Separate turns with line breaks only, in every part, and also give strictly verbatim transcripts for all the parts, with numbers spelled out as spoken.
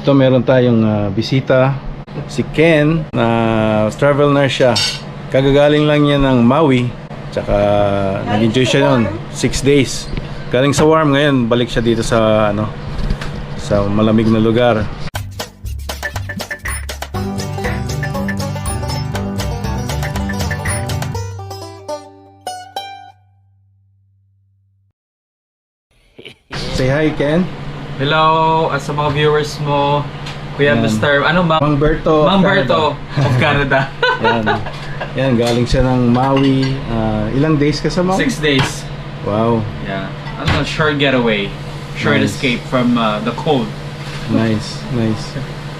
Ito meron tayong uh, bisita, si Ken, na travel nurse siya. Kagagaling lang niya ng Maui, tsaka nag-enjoy siya noon, six days. Galing sa warm, ngayon balik siya dito sa ano, sa malamig na lugar. Say hi, Ken.
Hello, at sa mga viewers mo, Kuya
Yan.
Mister Ano ba?
Mang Berto.
Mang Berto of Canada.
Yan. Yan, galing siya ng Maui. Uh, ilang days ka sa Maui?
Six days.
Wow.
Yeah. Ano, short getaway. Short
Nice.
escape from uh, the cold.
Nice, nice.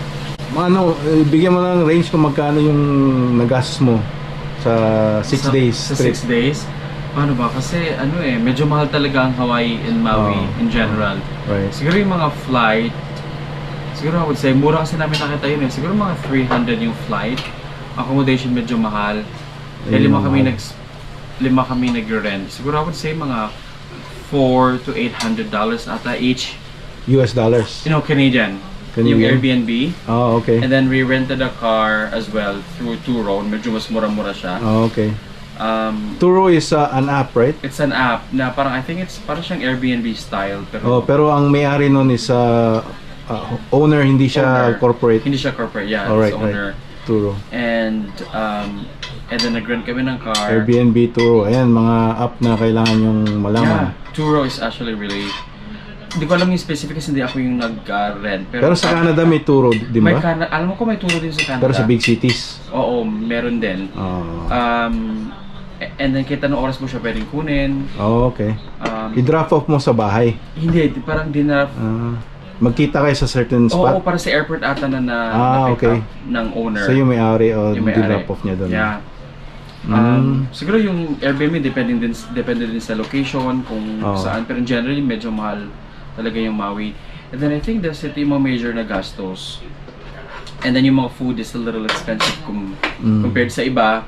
Ano, eh, bigyan mo ng range kung magkano yung nagastos mo sa six
Sa-
days
Sa
trip.
six days? Paano ba? Kasi ano eh, medyo mahal talaga ang Hawaii and Maui
Oh.
in general.
Right.
Siguro yung mga flight, siguro I would say, mura kasi namin nakita yun eh. Siguro mga three hundred yung flight. Accommodation medyo mahal. Kaya
Ayun,
lima kami
mahal.
nag lima kami nag-rent. Siguro I would say mga four to eight hundred dollars ata each.
U S dollars.
You know, Canadian.
Canadian?
Yung Airbnb.
Oh, okay.
And then we rented a car as well through Turo. Medyo mas mura-mura siya.
Oh, okay.
Um,
Turo is uh, an app, right?
it's an app na parang I think it's parang siyang Airbnb style. Pero
Oh, pero ang may-ari nun is uh, uh, owner, hindi siya
Owner.
corporate.
Hindi siya corporate. Yeah,
Alright,
it's owner.
right. Turo.
And um, and then nag-rent kami ng car.
Airbnb, Turo. Ayan, mga app na kailangan yung malaman.
Yeah, Turo is actually really. Hindi ko alam yung specific kasi hindi ako yung nag-rent.
Pero sa Canada may Turo, di
May
ba?
Canada, alam mo ko may Turo din sa Canada.
Pero sa big cities.
Oo, meron din.
Oh,
Um, and then kita ng oras mo siya pwedeng kunin.
oh okay.
Um,
I-drop off mo sa bahay.
hindi, parang dinner.
Ah, magkita kayo sa certain
Oo,
spot.
para sa airport ata na na,
Ah,
na pick
okay.
up ng owner.
So yung may-ari o
Yung may-ari.
i-drop off niya doon.
Yeah.
Mm.
Um, siguro yung Airbnb depende din depende din sa location kung
Oo.
saan, pero generally medyo mahal talaga yung Maui. And then I think that's it, yung mga major na gastos. And then yung mga food is a little expensive kum
Mm.
compared sa iba.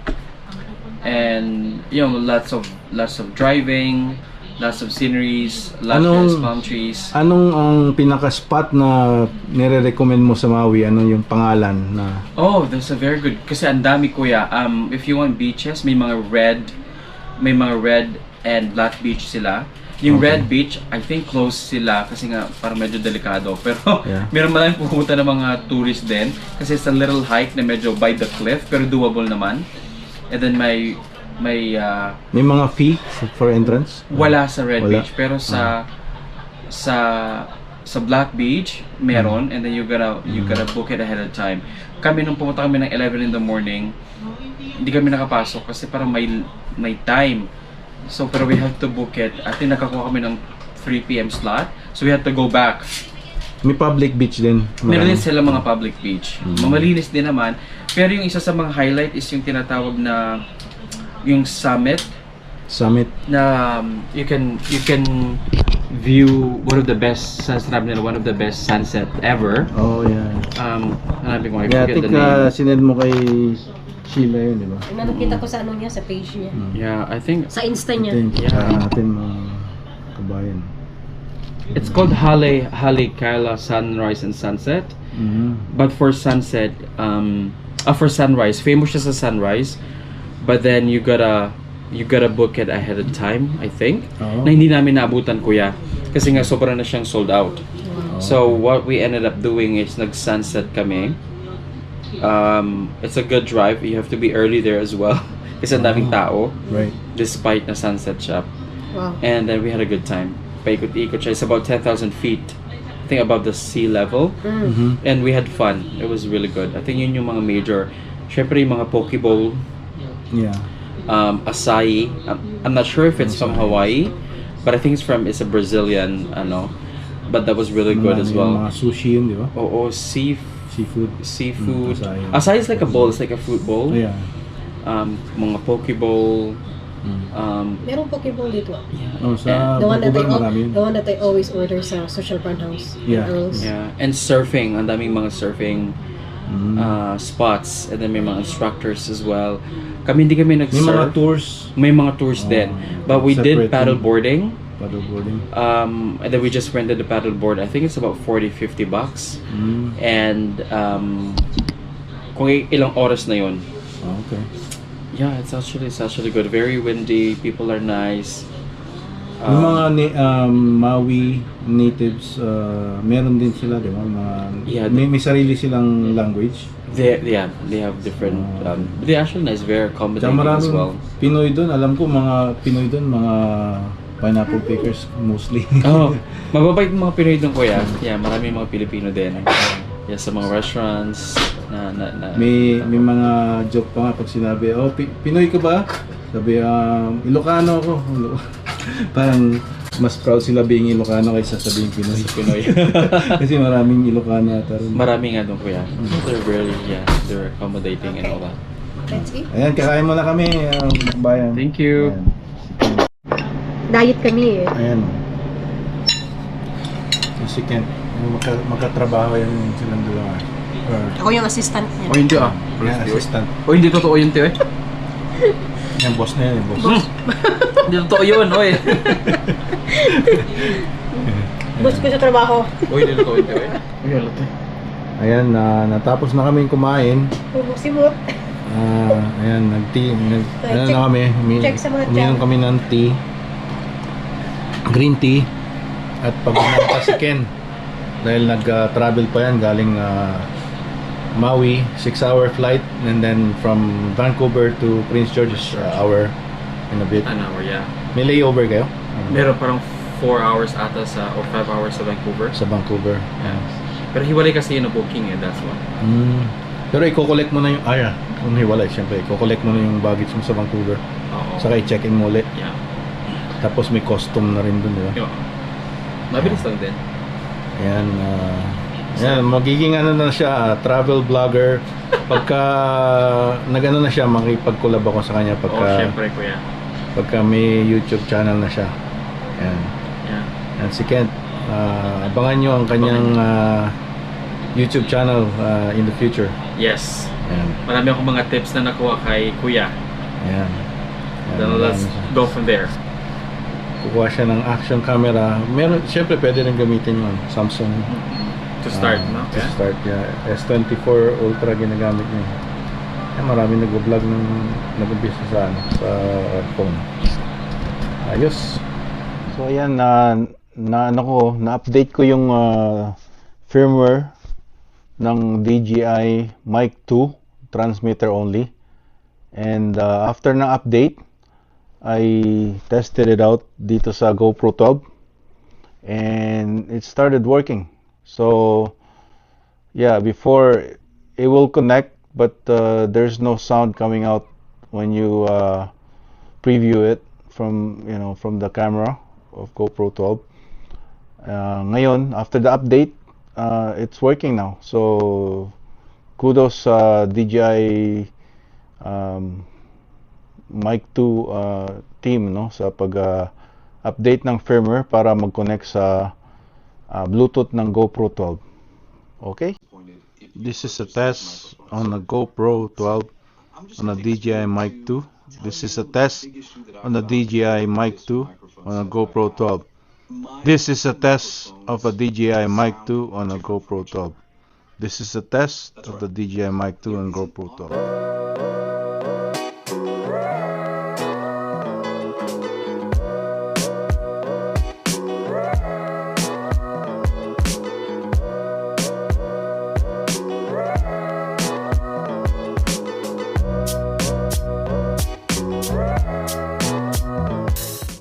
And you know, lots of lots of driving, lots of sceneries, luscious
Anong-
palm trees.
Anong ang pinaka-spot na nire-recommend mo sa Maui? Ano yung pangalan na?
Oh, that's a very good. Kasi ang dami kuya. Um, if you want beaches, may mga red, may mga red and black beach sila. Yung
Okay.
red beach, I think closed sila kasi nga parang medyo delikado. Pero
Yeah.
meron maraming pupunta ng mga tourist din kasi it's a little hike na medyo by the cliff pero doable naman. And then may may uh,
May mga fee for entrance?
wala sa red
Wala.
beach pero sa sa sa black beach meron and then you gotta you gotta book it ahead of time. Kami nung pumunta kami ng eleven in the morning, hindi kami nakapasok kasi parang may may time. So pero we have to book it. At nakakuha kami ng three p m slot. So we have to go back.
May public beach din.
Meron din
Marami.
sila mga public beach. Mamalinis din naman. Pero yung isa sa mga highlight is yung tinatawag na yung summit
Summit.
na um, you can you can view one of the best sunset nila, one of the best sunset ever.
Oh, yeah.
Um, hanapin ko, I
Yeah, I
forget
think
the name.
uh, sinend mo kay Sheila yun, di ba?
Yung nakita ko sa ano niya, sa page niya.
Yeah, I think
Sa Insta
I
niya.
think,
Yeah.
uh, natin mga kabayan.
it's called Hale Hale Kaila Sunrise and Sunset.
Mhm.
But for sunset, um, uh, for sunrise, famous siya sa sunrise. But then you gotta you gotta book it ahead of time, I think.
Oo.
Na hindi namin naabutan kuya kasi nga sobra na siyang sold out. So what we ended up doing is nag-sunset kami. Um, it's a good drive. You have to be early there as well kasi ang daming tao
Right.
despite na sunset shop.
Wow.
And then we had a good time. Paikot-ikot siya. It's about ten thousand feet. I think above the sea level.
Mm.
Mhm.
And we had fun. It was really good. I think yun yung mga major. Syempre yung mga poke bowl,
Yeah.
um, acai. I'm, I'm not sure if it's from Hawaii, but I think it's from, it's a Brazilian, ano. But that was really good
Mga-
as
yung
well.
Mga sushi yun, di ba?
Oo, sea,
Seafood.
seafood.
Mm, acai.
Acai is like a bowl. It's like a fruit bowl.
Oh, yeah.
Um, mga poke bowl.
Mm.
Um,
Merong Pokeball dito.
Oh, sa
The one that I
Vancouver
al-
marami yun.
the one that I always order sa Social Brand House. in
Yeah.
Earls.
yeah. And surfing. Ang daming mga surfing
Mm.
uh, spots. And then may mga instructors as well. Kami hindi kami
May mga
nag-surf.
tours.
May mga tours
Oh,
din. But we did
separate
paddle
yun.
boarding.
paddleboarding.
Um, and then we just rented the paddleboard. I think it's about forty, fifty bucks.
Mm.
And um, kung i- ilang oras na yun.
Ah, okay.
Yeah, it's actually it's actually good. Very windy. People are nice.
Yung
Um,
mga ni, um, Maui natives, uh, meron din sila, di ba? Mga,
Yeah,
may, may sarili silang language.
They, yeah, they have different. Um, but they're actually nice, very
Tsaka
accommodating as
maraming
well.
Pinoy doon. Alam ko mga Pinoy doon, mga pineapple pickers mostly.
Oh, mababait yung mga Pinoy doon, kuya. Yeah, maraming mga Pilipino din. Yeah, sa mga restaurants na na, na
may may mga joke pa nga pag sinabi, oh, Pi- Pinoy ka ba? Sabi, um, Ilocano ako. Parang mas proud sila being Ilocano kaysa sabing Pinoy.
Pinoy.
Kasi maraming Ilocano ata rin.
Marami nga doon, kuya. They're very, yeah, they're accommodating and all that.
Let's eat.
Ayan, kakain muna kami, um, bayan.
Thank you.
Ayan.
Diet kami eh.
Ayan. Si Ken, magka, magkatrabaho yan silang dalawa. Or,
Ako yung assistant niya.
O hindi ah.
yan, assistant.
O hindi totoo yun, Tio eh.
Yan, boss na yan, eh, boss.
Hindi totoo yun, oy.
Boss ko sa trabaho.
O hindi totoo yun, Tio eh. Uy, alat eh.
Ayan, na natapos na kaming kumain.
Bubuksimot.
Ah, ayan, nag-tea, nag,
Okay,
ano
check-
na kami, umi,
check sa mga
uminom
jam.
kami ng tea, green tea, at pag pa si Ken, dahil nag-travel pa yan, galing ah, Maui, six hour flight, and then from Vancouver to Prince George is uh, hour and a bit.
An hour, yeah.
May layover kayo?
Meron parang four hours ata sa, or five hours sa Vancouver.
Sa Vancouver.
Yeah. Pero hiwalay kasi yun ang booking eh, that's why.
Mm. Pero i-collect mo na yung, ah, yeah, kung hiwalay, syempre, i-collect mo na yung baggage mo sa Vancouver.
Oo.
Saka i-check-in mo ulit.
Yeah.
Tapos may custom na rin dun, di ba?
Yo. Mabilis lang din.
Ayan, ah, ayan, magiging ano na siya, ah, travel vlogger. Pagka nag-ano na siya, makipag-collab ako sa kanya
Oo,
pagka,
syempre kuya.
pagka may YouTube channel na siya. Ayan.
Yeah.
Ayan, si Kent, ah, abangan nyo ang kanyang ah, YouTube channel ah, in the future.
Yes.
Ayan.
Marami akong mga tips na nakuha kay kuya.
Ayan. Ayan,
Then let's
marami siya.
go from there.
Kukuha siya ng action camera. Meron, syempre pwede rin gamitin yun. Samsung.
To start,
Ah,
no?
To start, yeah. S twenty-four Ultra ginagamit niya. Eh, marami nag-vlog nung nag-umpisa sa, ano, sa phone. Ayos. So ayan, na, na ano ko, na-update ko yung ah, firmware ng D J I Mic two transmitter only. And ah, after ng update, I tested it out dito sa GoPro twelve and it started working. So yeah, before it will connect, but uh, there's no sound coming out when you uh, preview it from you know from the camera of GoPro twelve. Uh, ngayon, after the update, uh, it's working now. So kudos sa D J I um, Mic two uh, team no sa pag uh, update ng firmware para mag-connect sa uh, Bluetooth ng GoPro twelve. Okay? This is a test on the GoPro twelve on a D J I Mic two. This is a test on the D J I Mic two on a GoPro twelve. This is a test of a D J I Mic two on a GoPro twelve. This is a test of the D J I Mic two on GoPro twelve.